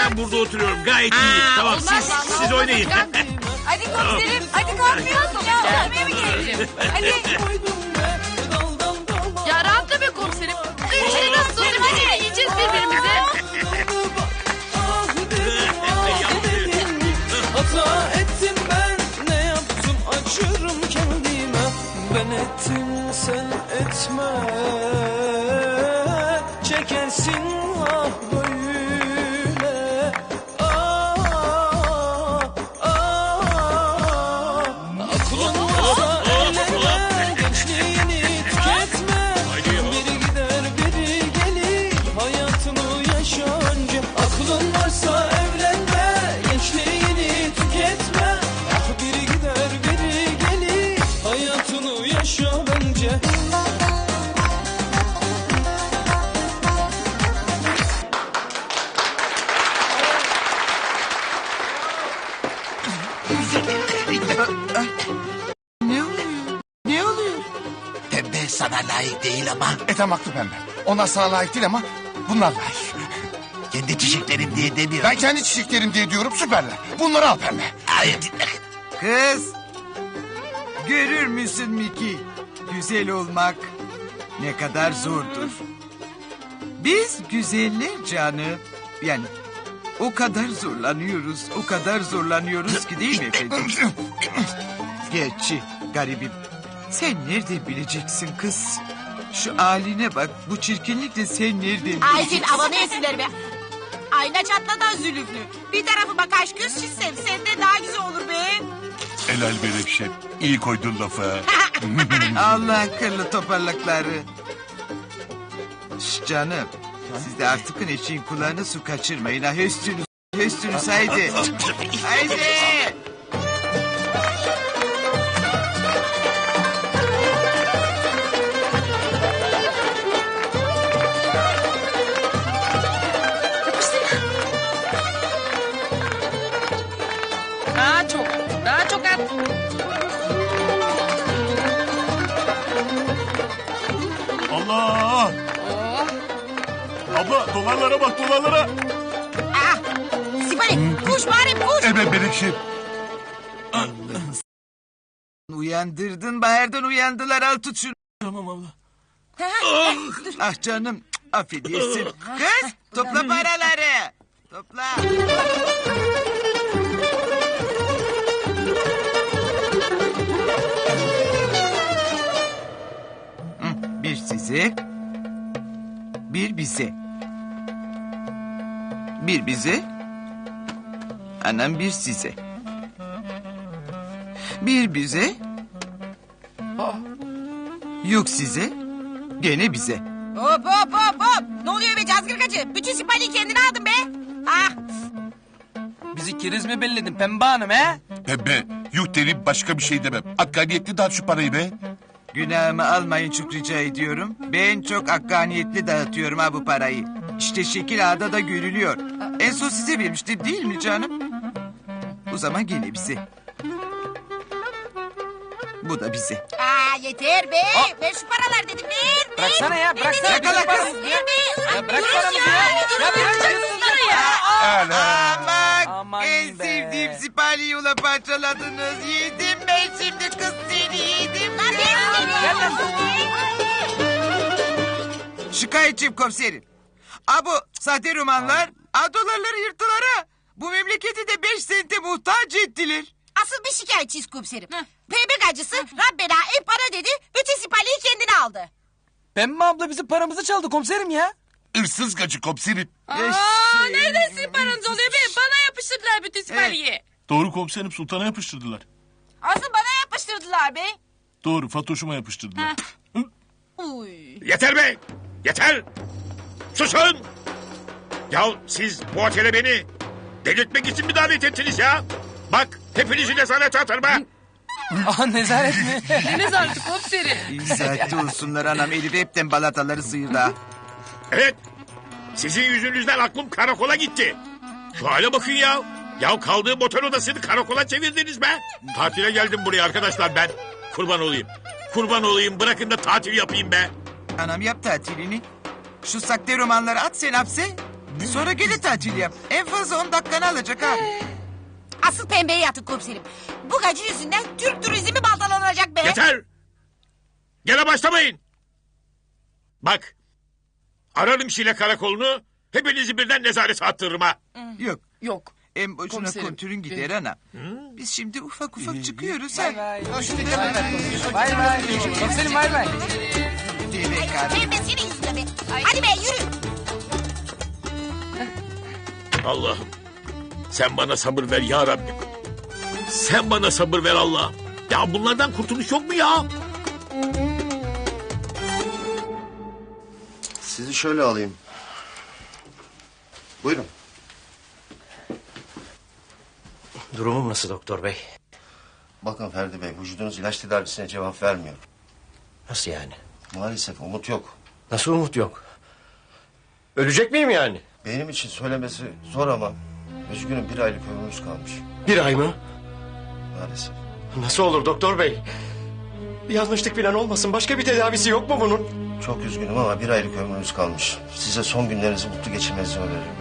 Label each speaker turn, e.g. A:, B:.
A: ben burada oturuyorum. Gayet iyi. Tamam siz oynayın.
B: Hadi komiserim. Hadi kalkmıyorsun ya. Eve mi gelelim? Hadi.
C: Ya rahatla be komiserim. Dönüşleri nasıl tutuyorum hadi yiyeceğiz birbirimize.
D: Hata ettim ben, ne yaptım acırım kendime. Ben ettim sen etme, çekersin ah böyle. Aklın varsa eğlenme, gençliğini tüketme. Biri gider biri gelir, hayatını yaşa önce. Aklın varsa evlenme, gençliğini tüketme. Ah biri gider biri gelir, hayatını yaşa bence.
E: Ne oluyor?
F: Pembe sana layık değil ama
E: Ethem haklı pembe. Onlar sana layık değil ama bunlar layık.
F: kendi çiçeklerim diye demiyorum.
E: Ben kendi çiçeklerim diye diyorum süperler. Bunları al pembe.
F: Hayır dinle.
G: Kız, görür müsün Miki? Güzel olmak ne kadar zordur. Biz güzeller canım. Yani o kadar zorlanıyoruz ki değil mi efendim? Gerçi garibim. Sen nereden bileceksin kız? Şu haline bak, bu çirkinlikle sen nereden
C: Ay
G: bileceksin?
C: senin havanı yesinler be. Ayna çatladan zülüflü. Bir tarafı bak aşk göz çizsem senden daha güzel olur be.
H: Helal be Refşet. İyi koydun lafı.
G: Allah akıllı toparlakları. Şş canım. Siz de artık eşeğin kulağına su kaçırmayın ha. Höstünüz haydi. Haydi.
C: Daha çok at.
H: Allah! Abla dolarlara bak dolarlara.
C: Ah, Sipari kuş bari kuş.
H: Evet Berikşim.
G: Uyandırdın, Bahar'dan uyandılar. Al tut şunu.
H: Tamam abla.
G: Ah canım, affedersin. Kız, topla paraları. Topla. Bir size, bir bize. Bir bize, anam bir size. Bir bize, yok size, gene bize.
C: Hop hop hop hop. Ne oluyor be cazgırgacı? Bütün sipariyi kendine aldın be. Ah.
D: Bizi keriz mi belledin Pembe Hanım he?
H: Pembe yuh derim başka bir şey demem. Hakkaniyetli dağıt şu parayı be.
G: Günahımı almayın çok rica ediyorum. Ben çok hakkaniyetli dağıtıyorum ha bu parayı. İşte şekil ağda da görülüyor. En son size vermiştim değil mi canım? O zaman gene bize. Bu da bize.
C: Aa yeter be. Ver şu paralar dedim ver.
D: Bıraksana ya, bıraksana.
G: Yakala kız.
C: Ver be.
D: Ya bırak paramızı ya. Ya bırak
C: ya.
G: Aman,
D: Aman
G: en
D: be.
G: sevdiğim sipariyi ula parçaladınız. Yedim ben şimdi kız seni yedim. Şikayetçiyim komiserim. A bu sahte romanlar, a dolarları yırttılar ha. Bu memleketi de 5 sente muhtaç ettiler.
C: Asıl bir şikayetçiyiz komiserim. Pembe gacısı Rabbena en para dedi. Bütün sipariyi kendine aldı.
D: Pembe abla bizim paramızı çaldı komiserim ya.
H: Hırsız gacı komiserim.
C: Nereden sipariniz oluyor be? Bana yapıştırdılar bütün sipariyi.
H: Doğru komiserim sultana yapıştırdılar.
C: Asıl bana yapıştırdılar be.
H: Doğru Fatoş'uma yapıştırdılar.
C: Uy.
A: Yeter be. Yeter. Susun. Ya siz bu otele beni delirtmek için mi davet ettiniz ya? Bak hepinizi nezarete atarım ha.
D: Aha nezaret mi?
C: Ne nezareti komiserim?
G: İyi saatte olsunlar anam. Elif hepten balataları sıyırdı ha.
A: Evet. Sizin yüzünüzden aklım karakola gitti. Şu hale bakın ya. Ya kaldığım otel odasını karakola çevirdiniz be. Tatile geldim buraya arkadaşlar ben. Kurban olayım. Kurban olayım bırakın da tatil yapayım be.
G: Anam yap tatilini. Şu sakte romanları at sen hapse. Sonra geri tatil yap. En fazla 10 dakikanı alacak ha.
C: Asıl pembeye yatın komiserim. Bu gacı yüzünden Türk turizmi baltalanacak be.
A: Yeter! Gene başlamayın. Bak. Ararım Şile karakolunu. Hepinizi birden nezarete attırırım ha.
G: Yok.
B: Yok.
G: En boşuna
B: Komiserim,
G: kontürün gider ana. Biz şimdi ufak ufak çıkıyoruz ha.
D: Bay bay. Komiserim bay bay.
G: Deve karı.
C: Pembe senin yüzünden be. Hadi be yürü.
A: Allah'ım. Sen bana sabır ver ya Rabbim. Sen bana sabır ver Allah. Ya bunlardan kurtuluş yok mu ya?
I: Sizi şöyle alayım. Buyurun.
J: Durumum nasıl doktor bey?
I: Bakın Ferdi Bey, vücudunuz ilaç tedavisine cevap vermiyor.
J: Nasıl yani?
I: Maalesef umut yok.
J: Nasıl umut yok? Ölecek miyim yani?
I: Benim için söylemesi zor ama... ...üzgünüm 1 aylık ömrümüz kalmış.
J: 1 ay mı?
I: Maalesef.
J: Nasıl olur doktor bey? Bir yanlışlık falan olmasın. Başka bir tedavisi yok mu bunun?
I: Çok üzgünüm ama 1 aylık ömrümüz kalmış. Size son günlerinizi mutlu geçirmenizi öneririm.